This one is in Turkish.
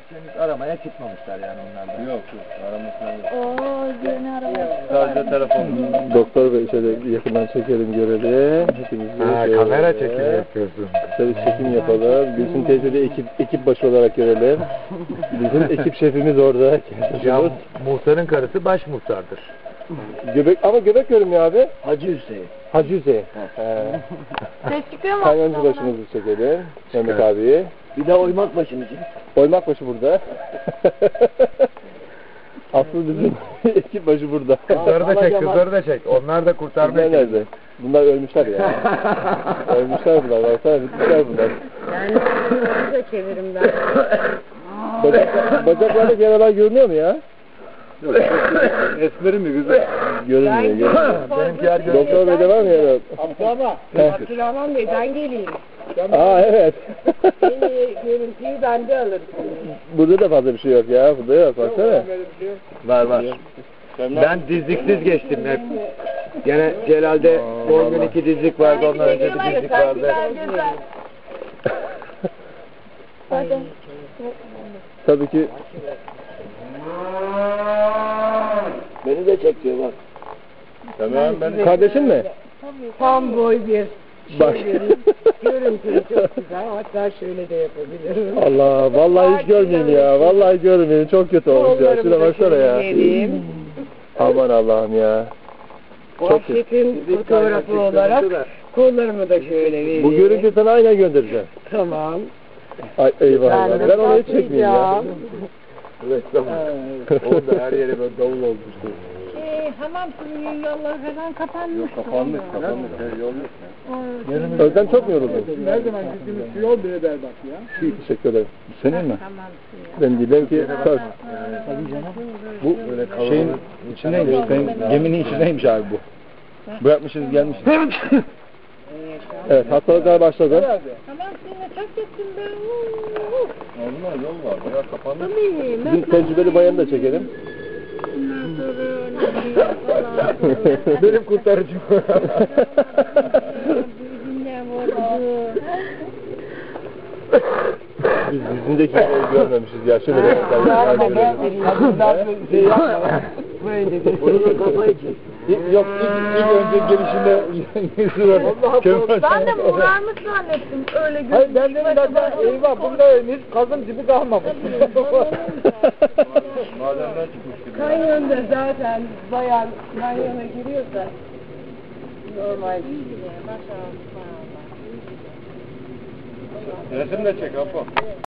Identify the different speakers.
Speaker 1: Henüz aramaya çıkmamışlar yani onlar da.
Speaker 2: Yok aramışlar yok.
Speaker 3: Oo, yeni araba.
Speaker 2: Sadece telefon.
Speaker 4: Doktor Bey şöyle yakından çekelim görelim. Hepimizi şöyle
Speaker 1: Kamera çekimi yapıyorsun.
Speaker 4: kısa bir çekim yapalım. Gülsün teyze de ekip başı olarak görelim. Bizim ekip şefimiz orada.
Speaker 1: Ya muhtarın karısı baş muhtardır.
Speaker 4: Ama göbek görünmüyor abi.
Speaker 2: Hacı Hüseyin.
Speaker 4: Hacı Hüseyin.
Speaker 3: Ses çıkıyor mu?
Speaker 4: Kanyoncu başımızı çekelim. Mehmet abiyi.
Speaker 2: Bir de oymak başını çek.
Speaker 4: Oymak başı burada. Aslı bizim ekip başı burada.
Speaker 1: Kızları da çek, kızları da çek. Onlar da kurtarmaya
Speaker 4: Bunlar nerede? Bunlar ölmüşler ya. Ölmüşler bunlar. Baksana bitmişler bunlar.
Speaker 3: Yani da çevirim ben.
Speaker 4: Bacaklarda yaralar görünüyor mu ya?
Speaker 2: Yok. Esmeri mi güzel?
Speaker 4: Görünmüyor.
Speaker 1: Benimkiler görünüyor.
Speaker 4: Doktor Bey'de var mı yara?
Speaker 5: Ama
Speaker 4: Heh.
Speaker 5: Abdurrahman Bey ben geleyim.
Speaker 4: Aa evet.
Speaker 5: En iyi görüntüyü bende alırım.
Speaker 4: Burada da fazla bir şey yok ya. Burada yok. Baksana.
Speaker 5: Böyle bir şey yok.
Speaker 1: Var var. Ben dizliksiz geçtim hep. Gene Celal'de son gün 2 dizlik vardı, ondan önce bir dizlik vardı.
Speaker 3: Hadi.
Speaker 4: Tabii ki
Speaker 2: Beni de çek diyor bak.
Speaker 4: tamam ben kardeşin mi?
Speaker 5: Tam boy bir
Speaker 4: Bak.
Speaker 5: görüntü çok güzel. Hatta şöyle de yapabilirim.
Speaker 4: Allah vallahi hiç görmeyin ya. Vallahi görmeyin. Çok kötü olmuş ya. Şuna baksana ya.
Speaker 5: Vereyim.
Speaker 4: Aman Allah'ım ya. Çok kötü.
Speaker 5: Şefin fotoğrafı olarak kollarımı da şöyle vereyim.
Speaker 4: Bu görüntüyü sana aynen göndereceğim.
Speaker 5: Tamam.
Speaker 4: Ay eyvah.
Speaker 5: Ben de
Speaker 4: Ben onu hiç çekmeyeyim ya.
Speaker 5: bakacağım.
Speaker 1: Reklam. Orada her yere böyle davul olmuştu.
Speaker 3: Hamam suyu yolları falan kapanmış.
Speaker 2: Kapanmış. Yok.
Speaker 4: Özlem çok mu yoruldun?
Speaker 5: Her zaman gittiğimiz şu yol bile berbat ya.
Speaker 4: Teşekkür ederim.
Speaker 1: Senin mi?
Speaker 3: Hamam suyu.
Speaker 4: Ben diyeyim ki söz.
Speaker 1: Bu şeyin içindeymiş, geminin içindeymiş abi bu. Bırakmışız gelmişiz.
Speaker 4: Evet hastalıklar başladı.
Speaker 3: Hamam suyuna çok gittim ben.
Speaker 2: Normal yol var. Bayağı kapanmış.
Speaker 4: Bizim tecrübeli bayanı da çekelim.
Speaker 1: Benim kurtarıcım.
Speaker 4: Biz dizindeki şeyi görmemişiz ya. Şöyle bir
Speaker 5: Şey yapma. Böyle
Speaker 2: Bunu da kafayı çek.
Speaker 1: Yok ilk önce gelişinde yüzü var.
Speaker 3: Ben de morarmış zannettim öyle gözüküyor.
Speaker 5: Hayır ben dedim zaten eyvah bunda hiç kazım gibi kalmamış.
Speaker 2: Madenden çıkmış gibi.
Speaker 5: Kanyonda zaten bayan kanyona giriyorsa normal.
Speaker 2: Resim de çek Apo.